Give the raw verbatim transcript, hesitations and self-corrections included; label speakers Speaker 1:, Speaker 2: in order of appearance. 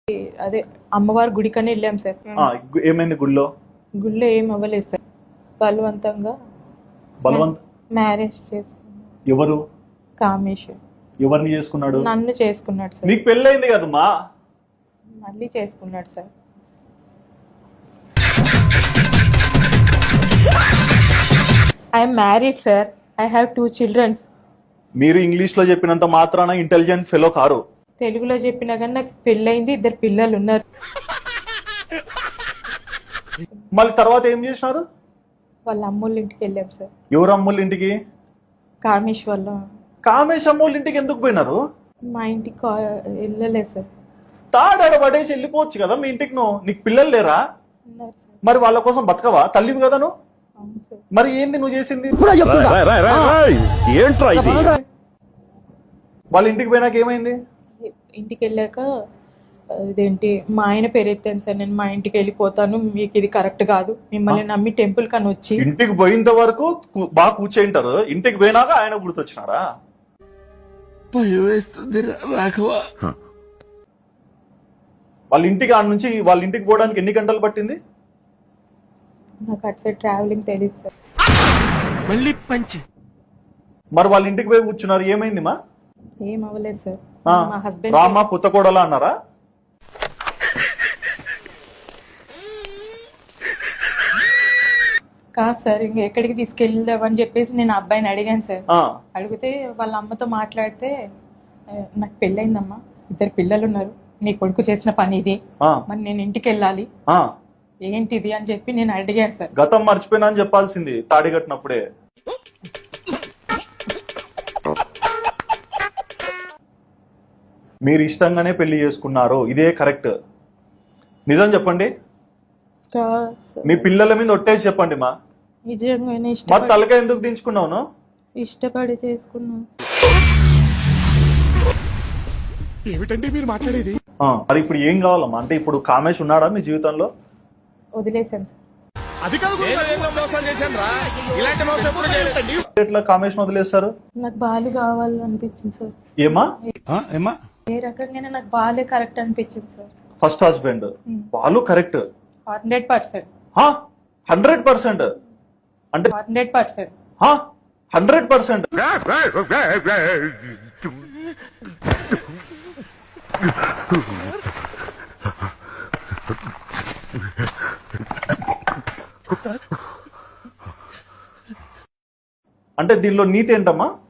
Speaker 1: అదే అమ్మవారి గుడికని వెళ్ళాం సార్.
Speaker 2: ఆ, గు- ఏమైంది గుళ్ళో?
Speaker 1: గుళ్ళో ఏం అవ్వలేదు సార్. బలవంతంగా
Speaker 2: బలవంత్
Speaker 1: మ్యారేజ్ చేసుకున్నాడు.
Speaker 2: ఎవరు
Speaker 1: కామేశ్వర్
Speaker 2: ఎవరిని చేసుకున్నాడు?
Speaker 1: నన్ను చేసుకున్నాడు సార్.
Speaker 2: నీకు పెళ్ళయింది కదమ్మా.
Speaker 1: మళ్ళీ చేసుకున్నాడు sir. I'm married sir. I have two childrens.
Speaker 2: మీరు ఇంగ్లీష్ లో చెప్పినంత మాత్రాన ఇంటెలిజెంట్ ఫెలో కారు.
Speaker 1: తెలుగులో చెప్పినా కానీ నాకు పెళ్ళయింది, ఇద్దరు పిల్లలు ఉన్నారు.
Speaker 2: మళ్ళీ తర్వాత ఏం చేసినారు?
Speaker 1: వాళ్ళ అమ్మోళ్ళ ఇంటికి వెళ్ళాం సార్.
Speaker 2: ఎవరు అమ్మోళ్ళ ఇంటికి?
Speaker 1: కామేష్ వాళ్ళ.
Speaker 2: కామేశ్ అమ్మోళ్ళ ఇంటికి ఎందుకు పోయినారు?
Speaker 1: మా ఇంటికి కా- వెళ్ళలేదు సార్.
Speaker 2: తాడాడ పడేసి వెళ్ళిపోవచ్చు కదా మీ ఇంటికి. నువ్వు నీకు పిల్లలు లేరా?
Speaker 1: ఉన్నారు సార్.
Speaker 2: మరి వాళ్ళ కోసం బతకవా? తల్లివి కదా నువ్వు.
Speaker 1: అవును సార్.
Speaker 2: మరి ఏంది నువ్వు చేసింది?
Speaker 3: ఏంట్రా ఇది?
Speaker 2: వాళ్ళ ఇంటికి పోయినాక ఏమైంది?
Speaker 1: ఇంటికి వెళ్ళాక ఇదేంటి మా ఆయన పేరు ఎత్తాను సార్. నేను మా ఇంటికి వెళ్ళిపోతాను, మీకు ఇది కరెక్ట్ కాదు, మిమ్మల్ని నమ్మి టెంపుల్ కని వచ్చి.
Speaker 2: ఇంటికి పోయేంత వరకు కు- బాగా కూర్చేంటారు. ఇంటికి పోయినాక ఆయన గుర్తొచ్చినారా? వాళ్ళ ఇంటికి ఆడ నుంచి వాళ్ళ ఇంటికి పోవడానికి ఎన్ని గంటలు పట్టింది?
Speaker 1: నాకు అటు సైడ్ ట్రావెలింగ్ తెలియదు సార్.
Speaker 2: మరి వాళ్ళ ఇంటికి పోయి కూర్చున్నారు, ఏమైంది మా?
Speaker 1: ఏం అవ్వలేదు సార్.
Speaker 2: ఆ,
Speaker 1: మా హస్బెండ్
Speaker 2: రామా పుత్తకోడలా అన్నారా?
Speaker 1: కాదు సార్, ఇంక ఎక్కడికి తీసుకెళ్దామని చెప్పేసి నేను ఆ అబ్బాయిని అడిగాను సార్.
Speaker 2: ఆ,
Speaker 1: అడిగితే వాళ్ళ అమ్మతో మాట్లాడితే "ఏ, నాకు పెళ్ళయిందమ్మా, ఇద్దరు పిల్లలు ఉన్నారు, నీ కొడుకు చేసిన పని ఇది,
Speaker 2: ఆ,
Speaker 1: మరి నేను ఇంటికి వెళ్ళాలి,
Speaker 2: ఆ.
Speaker 1: ఏంటిది అని చెప్పి నేను అడిగాను సార్.
Speaker 2: గతం మర్చిపోయినా అని చెప్పాల్సింది తాడి కట్టినప్పుడే. మీరు ఇష్టంగానే పెళ్లి చేసుకున్నారు, ఇదే కరెక్ట్. నిజం చెప్పండి.
Speaker 1: కాదు సార్,
Speaker 2: మీ పిల్లల మీద ఒట్టేసి చెప్పండి మా.
Speaker 1: నిజంగానే
Speaker 2: మరి
Speaker 1: ఇష్టపడి
Speaker 2: తలకాయ ఎందుకు దించుకున్నావు?
Speaker 1: ఇష్టపడి చేసుకున్నాను.
Speaker 3: ఏమిటండి మీరు మాట్లాడేది?
Speaker 2: ఆ, మరి ఇప్పుడు ఏం కావాలమ్మా? అంటే ఇప్పుడు కామేష్ ఉన్నాడా మీ జీవితంలో?
Speaker 1: వదిలేశాను సార్.
Speaker 3: అది కాదు ఇలాంటి మోసం ఎప్పుడు చేయలేదండి.
Speaker 2: ఎట్లా కామేష్ వదిలేస్తారు?
Speaker 1: నాకు బాలు కావాలనిపించింది సార్.
Speaker 2: ఏమా?
Speaker 3: ఏమా
Speaker 1: ఏ రకంగానే నాకు బాలే కరెక్ట్ అనిపించింది సార్.
Speaker 2: ఫస్ట్ హస్బెండ్ వాళ్ళు correct
Speaker 1: hundred percent
Speaker 2: hundred percent అంటే
Speaker 1: హండ్రెడ్ పర్సెంట్
Speaker 2: హండ్రెడ్ పర్సెంట్ అంటే దీనిలో నీతి ఏంటమ్మా?